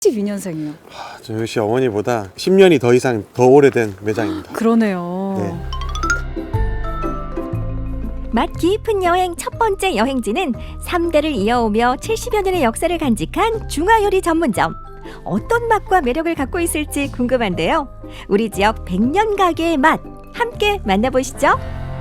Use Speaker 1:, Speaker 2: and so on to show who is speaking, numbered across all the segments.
Speaker 1: 12년생이요.
Speaker 2: 저 역시 어머니보다 10년이 더 이상 더 오래된 매장입니다.
Speaker 1: 그러네요.
Speaker 2: 네.
Speaker 3: 맛 깊은 여행 첫 번째 여행지는 3대를 이어오며 70여 년의 역사를 간직한 중화요리 전문점. 어떤 맛과 매력을 갖고 있을지 궁금한데요. 우리 지역 100년 가게의 맛 함께 만나보시죠.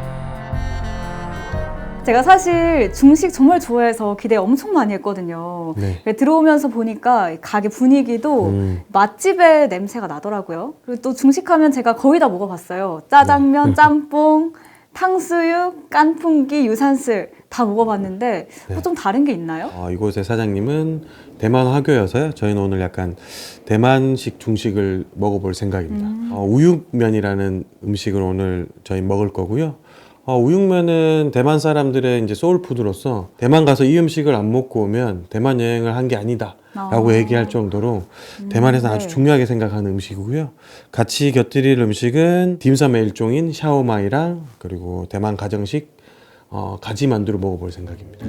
Speaker 1: 제가 사실 중식 정말 좋아해서 기대 엄청 많이 했거든요.
Speaker 2: 네.
Speaker 1: 들어오면서 보니까 가게 분위기도 맛집의 냄새가 나더라고요. 그리고 또 중식하면 제가 거의 다 먹어봤어요. 짜장면, 짬뽕, 탕수육, 깐풍기, 유산슬 다 먹어봤는데
Speaker 2: 네.
Speaker 1: 좀 다른 게 있나요?
Speaker 2: 이곳의 사장님은 대만 화교여서요. 저희는 오늘 약간 대만식 중식을 먹어볼 생각입니다. 우육면이라는 음식을 오늘 저희 먹을 거고요. 우육면은 대만 사람들의 이제 소울푸드로서 대만 가서 이 음식을 안 먹고 오면 대만 여행을 한 게 아니다 라고 얘기할 정도로 대만에서 아주
Speaker 1: 네. 중요하게
Speaker 2: 중요하게 생각하는 음식이고요. 같이 곁들일 음식은 딤섬의 일종인 샤오마이랑 그리고 대만 가정식 가지 만두를 먹어볼 생각입니다.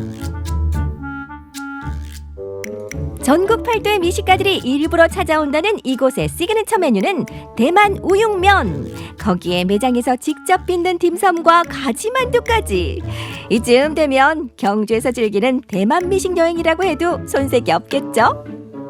Speaker 3: 전국 팔도의 미식가들이 일부러 찾아온다는 이곳의 시그니처 메뉴는 대만 우육면. 거기에 매장에서 직접 빚는 딤섬과 가지만두까지. 이쯤 되면 경주에서 즐기는 대만 미식 여행이라고 해도 손색이 없겠죠?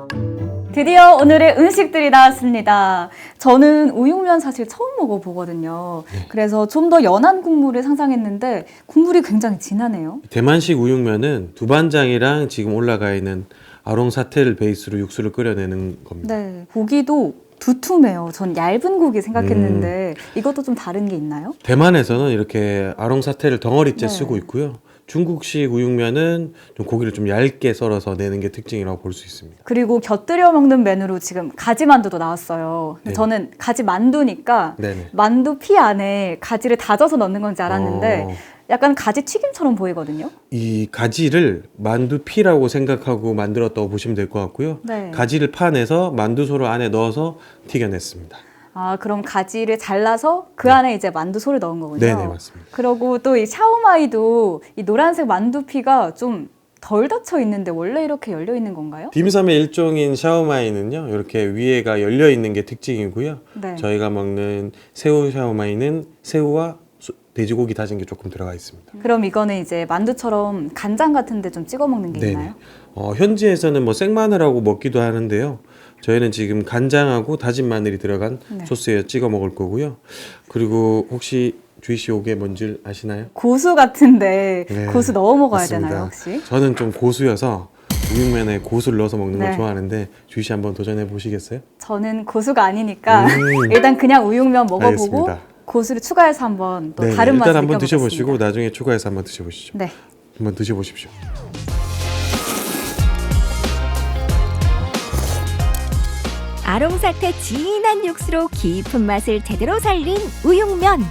Speaker 1: 드디어 오늘의 음식들이 나왔습니다. 저는 우육면 사실 처음 먹어보거든요. 그래서 좀 더 연한 국물을 상상했는데 국물이 굉장히 진하네요.
Speaker 2: 대만식 우육면은 두반장이랑 지금 올라가 있는 아롱사태를 베이스로 육수를 끓여내는 겁니다.
Speaker 1: 네, 고기도 두툼해요. 전 얇은 고기 생각했는데 이것도 좀 다른 게 있나요?
Speaker 2: 대만에서는 이렇게 아롱사태를 덩어리째
Speaker 1: 네.
Speaker 2: 쓰고 있고요. 중국식 우육면은 좀 고기를 좀 얇게 썰어서 내는 게 특징이라고 볼 수 있습니다.
Speaker 1: 그리고 곁들여 먹는 메뉴로 지금 가지만두도 나왔어요. 근데
Speaker 2: 네.
Speaker 1: 저는 가지만두니까
Speaker 2: 네네.
Speaker 1: 만두 피 안에 가지를 다져서 넣는 건지 알았는데
Speaker 2: 어,
Speaker 1: 약간 가지 튀김처럼 보이거든요.
Speaker 2: 이 가지를 만두피라고 생각하고 만들었다고 보시면 될 것 같고요.
Speaker 1: 네.
Speaker 2: 가지를 파내서 만두소를 안에 넣어서 튀겨냈습니다.
Speaker 1: 아, 그럼 가지를 잘라서 그 안에 이제 만두소를 넣은 거군요.
Speaker 2: 네네, 맞습니다.
Speaker 1: 그리고 또 이 샤오마이도 이 노란색 만두피가 좀 덜 닫혀 있는데 원래 이렇게 열려 있는 건가요?
Speaker 2: 딤섬의 일종인 샤오마이는요, 이렇게 위에가 열려 있는 게 특징이고요.
Speaker 1: 네.
Speaker 2: 저희가 먹는 새우 샤오마이는 새우와 돼지고기 다진 게 조금 들어가 있습니다.
Speaker 1: 그럼 이거는 이제 만두처럼 간장 같은 데 좀 찍어 먹는 게
Speaker 2: 네네.
Speaker 1: 있나요?
Speaker 2: 현지에서는 뭐 생마늘하고 먹기도 하는데요. 저희는 지금 간장하고 다진 마늘이 들어간
Speaker 1: 네.
Speaker 2: 소스에 찍어 먹을 거고요. 그리고 혹시 주희 씨 요게 뭔지 아시나요?
Speaker 1: 고수 같은데
Speaker 2: 네,
Speaker 1: 고수 넣어 먹어야
Speaker 2: 맞습니다.
Speaker 1: 되나요, 혹시?
Speaker 2: 저는 좀 고수여서 우육면에 고수를 넣어서 먹는 걸
Speaker 1: 네.
Speaker 2: 좋아하는데 주희 씨 한번 도전해 보시겠어요?
Speaker 1: 저는 고수가 아니니까
Speaker 2: 음.
Speaker 1: 일단 그냥 우육면 먹어보고
Speaker 2: 알겠습니다.
Speaker 1: 고수를 추가해서 한번 또
Speaker 2: 네,
Speaker 1: 다른 맛을
Speaker 2: 일단 한번
Speaker 1: 느껴보겠습니다.
Speaker 2: 드셔보시고 나중에 추가해서 한번 드셔보시죠.
Speaker 1: 네.
Speaker 2: 한번 드셔보십시오.
Speaker 3: 아롱사태 진한 육수로 깊은 맛을 제대로 살린 우육면.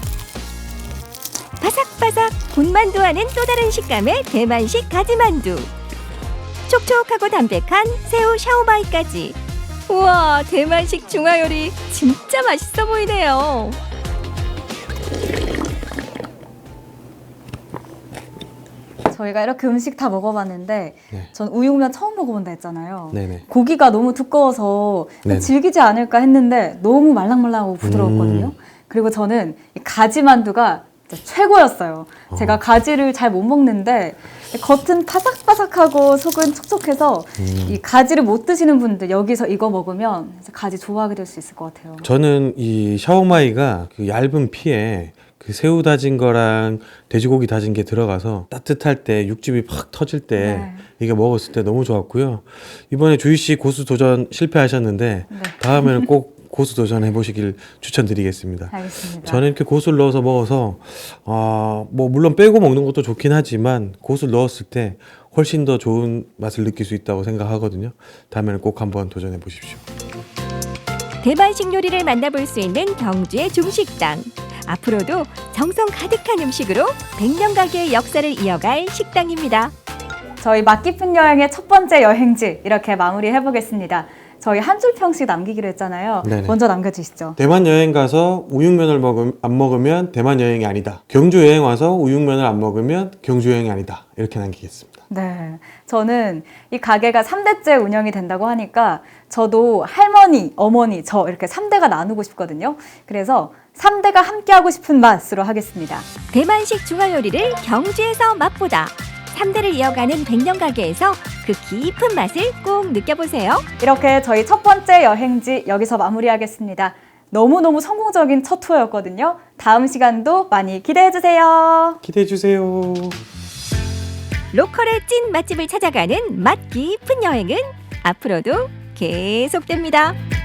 Speaker 3: 바삭바삭 군만두와는 또 다른 식감의 대만식 가지만두. 촉촉하고 담백한 새우 샤오마이까지. 우와, 대만식 중화요리 진짜 맛있어 보이네요.
Speaker 1: 저희가 이렇게 음식 다 먹어봤는데
Speaker 2: 네.
Speaker 1: 전 우육면 처음 먹어본다 했잖아요.
Speaker 2: 네네.
Speaker 1: 고기가 너무 두꺼워서
Speaker 2: 네네.
Speaker 1: 질기지 않을까 했는데 너무 말랑말랑하고 부드러웠거든요. 그리고 저는 이 가지만두가 진짜 최고였어요. 제가 가지를 잘 못 먹는데 겉은 바삭바삭하고 속은 촉촉해서 이 가지를 못 드시는 분들 여기서 이거 먹으면 가지 좋아하게 될 수 있을 것 같아요.
Speaker 2: 저는 이 샤오마이가 그 얇은 피에 그 새우 다진 거랑 돼지고기 다진 게 들어가서 따뜻할 때 육즙이 팍 터질 때
Speaker 1: 네.
Speaker 2: 이게 먹었을 때 너무 좋았고요. 이번에 주희 씨 고수 도전 실패하셨는데
Speaker 1: 네.
Speaker 2: 다음에는 꼭 고수 도전해 보시길 추천드리겠습니다.
Speaker 1: 알겠습니다.
Speaker 2: 저는 이렇게 고수를 넣어서 먹어서 뭐 물론 빼고 먹는 것도 좋긴 하지만 고수를 넣었을 때 훨씬 더 좋은 맛을 느낄 수 있다고 생각하거든요. 다음에는 꼭 한번 도전해 보십시오.
Speaker 3: 대만식 요리를 만나볼 수 있는 경주의 중식당. 앞으로도 정성 가득한 음식으로 100년 가게의 역사를 이어갈 식당입니다.
Speaker 1: 저희 맛 깊은 여행의 첫 번째 여행지 이렇게 마무리해 보겠습니다. 저희 한 줄 평씩 남기기로 했잖아요.
Speaker 2: 네네.
Speaker 1: 먼저 남겨주시죠.
Speaker 2: 대만 여행 가서 우육면을 안 먹으면 대만 여행이 아니다. 경주 여행 와서 우육면을 안 먹으면 경주 여행이 아니다. 이렇게 남기겠습니다.
Speaker 1: 네. 저는 이 가게가 3대째 운영이 된다고 하니까 저도 할머니, 어머니, 저 이렇게 3대가 나누고 싶거든요. 그래서 3대가 함께하고 싶은 맛으로 하겠습니다.
Speaker 3: 대만식 중화요리를 경주에서 맛보다 3대를 이어가는 백년 가게에서 그 깊은 맛을 꼭 느껴보세요.
Speaker 1: 이렇게 저희 첫 번째 여행지 여기서 마무리하겠습니다. 너무너무 성공적인 첫 투어였거든요. 다음 시간도 많이 기대해주세요.
Speaker 2: 기대해 주세요.
Speaker 3: 로컬의 찐 맛집을 찾아가는 맛 깊은 여행은 앞으로도 계속됩니다.